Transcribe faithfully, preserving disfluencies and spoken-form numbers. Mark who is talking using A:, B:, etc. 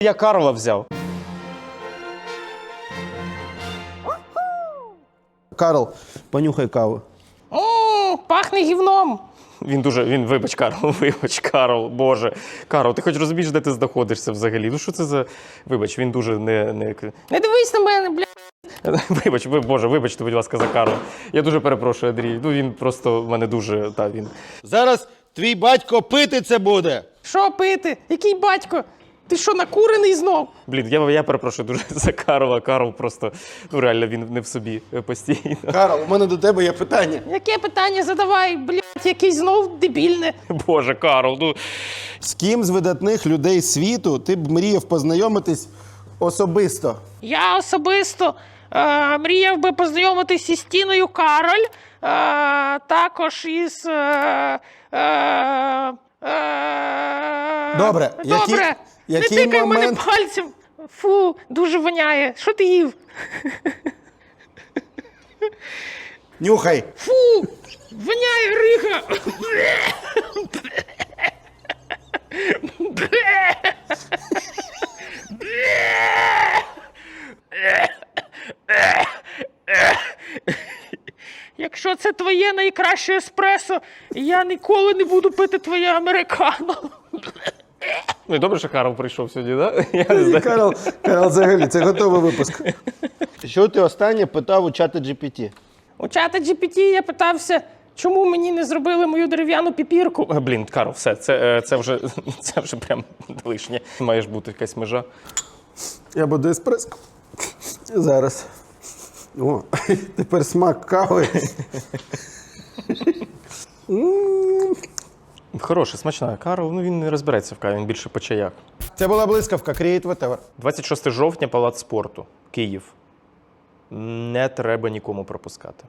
A: Я Карла взяв.
B: Карл, понюхай каву.
A: О, пахне гівном. Він дуже, він, вибач, Карл, вибач, Карл, боже. Карл, ти хоч розумієш, де ти знаходишся взагалі? Ну що це за... Вибач, він дуже не... Не, не дивись на мене, бля. Вибач, ви, боже, вибачте, будь ласка, за Карла. Я дуже перепрошую, Андрій. Ну він просто в мене дуже, та, він...
B: Зараз твій батько пити це буде.
A: Що пити? Який батько? Ти що, накурений знов? Блін, я, я перепрошую дуже за Карла. Карл просто, ну реально, він не в собі постійно.
B: Карл, у мене до тебе є питання.
A: Яке питання задавай, блядь, якийсь знов дебільне. Боже, Карл, ну...
B: З ким з видатних людей світу ти б мріяв познайомитись особисто?
C: Я особисто е, мріяв би познайомитися із Тіною Кароль, е, також із... Е, е, е,
B: Добре, які-
C: Добре.
B: який
C: Не тикай в мене
B: момент-
C: пальцем. Фу, дуже воняє. Що ти їв?
B: Нюхай.
C: Фу, воняє рига. Якщо це твоє найкраще еспресо, я ніколи не буду пити твоє американо.
A: Ну і добре, що Карл прийшов сьогодні, так? Да? Я не знаю.
B: Карл, Карл, взагалі, це готовий випуск. Що ти останнє питав у чата джі пі ті?
A: У чата джі пі ті я питався, чому мені не зробили мою дерев'яну піпірку. Е, Блін, Карл, все, це, е, це, вже, це вже прям лишнє. Має ж бути якась межа.
B: Я буду еспресо. Зараз. О, тепер смак кави.
A: Хороша, смачна. Карл, ну він не розбереться в каві, він більше по чаях.
B: Це була блискавка, Create Whatever.
A: двадцять шостого жовтня, Палац спорту, Київ. Не треба нікому пропускати.